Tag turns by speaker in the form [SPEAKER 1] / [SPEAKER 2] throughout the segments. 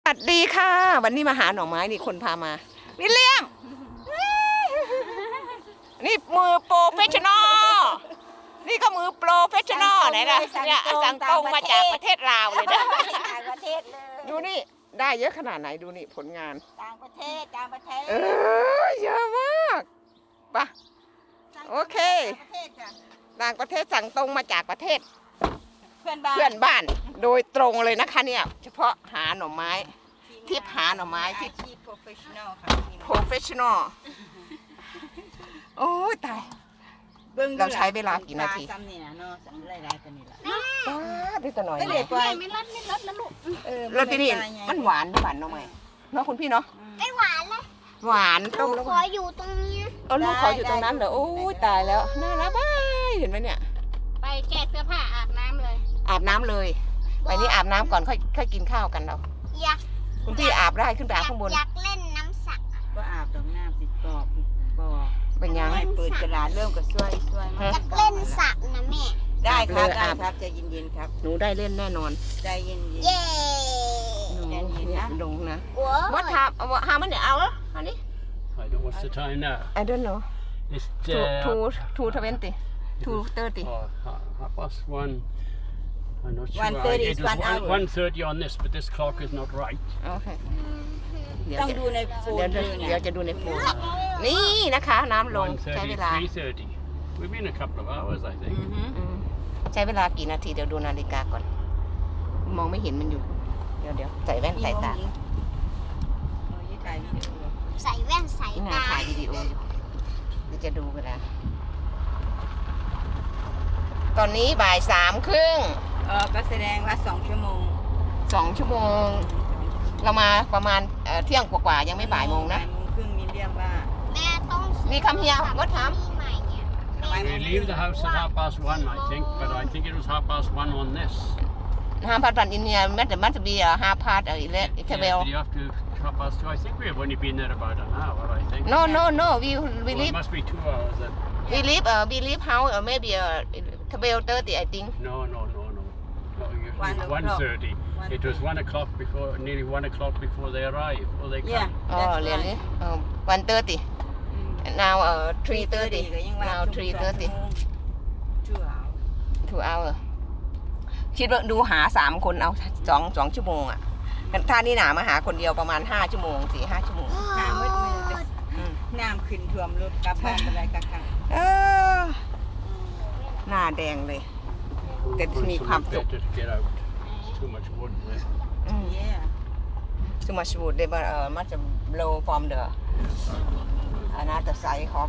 [SPEAKER 1] สวัสดีค่ะวันนี้มาหาหน่อไม้นี่คนพามาวิลเลียมนี่มือโปรเฟชชั่นอลนี่ก็มือโปรเฟชชั่นอลไหนล่ะเนี่ยสั่งตรงมาจากประเทศลาวเลยนะ
[SPEAKER 2] ต่างประเทศเลย
[SPEAKER 1] ดูนี่ได้เยอะขนาดไหนดูนี่ผลงาน
[SPEAKER 2] ต่างประเทศ
[SPEAKER 1] เยอะมากปะโอเค ต่างประเทศสั่งตรงมาจากประเทศเพื่อนบ้านโดยตรงเลยนะคะเนี่ยเฉพาะหาหน่อไม้ทิพหาหน่อไม้ที่
[SPEAKER 2] โปรเฟชชั่นอลค่ะ
[SPEAKER 1] โปรเฟชชั่นอลโอ้ยตายเราใช้เวลากี่นาที
[SPEAKER 2] ซ้ำเนี่ยเนาะหลายๆตัวนี่แหละ
[SPEAKER 1] ป้าด้วยตัวหน่อย
[SPEAKER 2] ไม่เลยไปไม่รัดนะลูก
[SPEAKER 1] แล้วที่นี่มันหวานหวานหน่อไม้เนาะคุณพี่เนาะ
[SPEAKER 3] ไม่หวานเลย
[SPEAKER 1] หวานต้ม
[SPEAKER 3] ลู
[SPEAKER 1] แล้
[SPEAKER 3] ก
[SPEAKER 1] ว
[SPEAKER 3] ขออยู่ตรงนี้
[SPEAKER 1] ลูกขออยู่ตรงนั้นเหรอโอ้ยตายแล้วน่ารักบ้ายเห็นไหมเนี่ย
[SPEAKER 3] ไปแกะเสื้อผ้าอาบน้ำเลย
[SPEAKER 1] อาบน้ำเลยไปนี่อาบน้ำก่อนค่อยกินข้าวกันเรา
[SPEAKER 3] อยาก
[SPEAKER 1] คุณพี่อาบได้ขึ้นไปอาบข้างบน
[SPEAKER 3] อยากเล่นน้ำสัก
[SPEAKER 2] ก็อาบตรงหน้าติดกรอบบ่อ
[SPEAKER 1] เป็นยัง
[SPEAKER 2] ไม่เปิดกระดาษเริ่มก็ช่วย
[SPEAKER 3] อยากเล่นสระนะแม่
[SPEAKER 2] ได้ครับใจเย็นๆครับ
[SPEAKER 1] หนูได้เล่นแน่นอน
[SPEAKER 2] ใจเย็น
[SPEAKER 3] เย้
[SPEAKER 1] หนูเนี่ยลงนะ
[SPEAKER 3] โอ้
[SPEAKER 1] ว่าทำhow many hour อันนี้
[SPEAKER 4] I don't know what's the time now.
[SPEAKER 1] I don't know
[SPEAKER 4] It's
[SPEAKER 1] two 20 2:30
[SPEAKER 4] 1:30. I'm not sure.
[SPEAKER 2] 1:30 is 1 hour.
[SPEAKER 4] 1:30 on this, but this clock is not right.
[SPEAKER 1] โอเคเดี๋ยว
[SPEAKER 2] ต้อง
[SPEAKER 1] จะ
[SPEAKER 2] ดูในโฟน
[SPEAKER 1] เดี๋ยวจะดูในโฟนนี่นะคะน้ำลงใช้เว
[SPEAKER 4] 1:30,
[SPEAKER 1] ลา
[SPEAKER 4] 3:30. We've been a couple of hours, I think.
[SPEAKER 1] ใช้เวลากี่นาทีเดี๋ยวดูนาฬิกาก่อน มองไม่เห็นมันอยู่ เดี๋ยวใส่แว่นใส่ตา
[SPEAKER 3] ใส่แว่นใส่
[SPEAKER 1] ที่นา
[SPEAKER 3] ตา
[SPEAKER 1] ถ่ายวิดีโออยู่เดี๋ยวจะดูเวลาตอนนี้บ่าย3:30
[SPEAKER 2] ก็แสดงว่า2 ชั่วโมง
[SPEAKER 1] 2 ชั่วโมง เรามาประมาณเที่ยงกว่าๆยังไม่บ่ายโมงนะ
[SPEAKER 2] บ่ายโมงครึ่งมีเรียกว่า
[SPEAKER 3] แม่ต้อง
[SPEAKER 1] มีคำเฮียก็ถาม
[SPEAKER 3] ใหม่เนี่ย
[SPEAKER 4] We leave the house at 1:30, I think, but I think it was 1:30 on this.
[SPEAKER 1] 5 in here must be 5 11
[SPEAKER 4] Yeah, but you have to 2:30. I think we've only been there about an hour, I think.
[SPEAKER 1] no we
[SPEAKER 4] Well, it
[SPEAKER 1] leave
[SPEAKER 4] must be 2 hours then.
[SPEAKER 1] we leave house maybe 12:30 I think
[SPEAKER 4] No. No, usually
[SPEAKER 2] 1:00.
[SPEAKER 4] 1:30. It was 1:00 before, nearly 1:00 before they arrive, or they come.
[SPEAKER 2] Yeah.
[SPEAKER 1] อ๋อ really 1:30 now 3:30 now 3:30 2 hour คิดว่าดูหา3 คนเอา2 ชั่วโมงอ่ะถ้านี่หนามาหาคนเดียวประมาณ5 ชั่วโมง 4-5 ชั่วโมง
[SPEAKER 2] น้ำมืดน้ำขึ้นท่วมรถกลับบ้านอะไรกันค่ะ
[SPEAKER 1] หน้าแดงเลย แต่
[SPEAKER 4] Well,
[SPEAKER 1] มี
[SPEAKER 4] it's
[SPEAKER 1] ความสุข
[SPEAKER 4] better to get out. Too much wood there.
[SPEAKER 2] Yeah.
[SPEAKER 1] too much wood they must blow from the another side of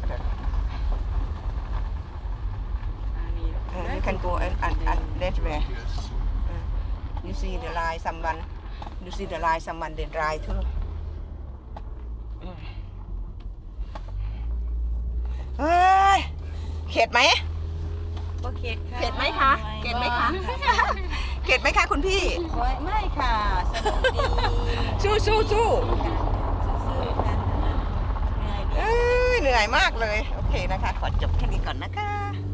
[SPEAKER 1] you can go and that way you see the line someone they dry too เฮ้ยเข็ดไหม
[SPEAKER 2] ก็เข็ดค่ะ
[SPEAKER 1] เข็ดไหมคะเข็ดไหมคะ เข็ดไหมคะคุณพี่
[SPEAKER 2] ไม่ค่ะสนุกดี
[SPEAKER 1] สู้
[SPEAKER 2] ซื่อๆค่ะเหนื่อยดี
[SPEAKER 1] เหนื่อยมากเลย โอเคนะคะ ขอจบแค่นี้ก่อนนะคะ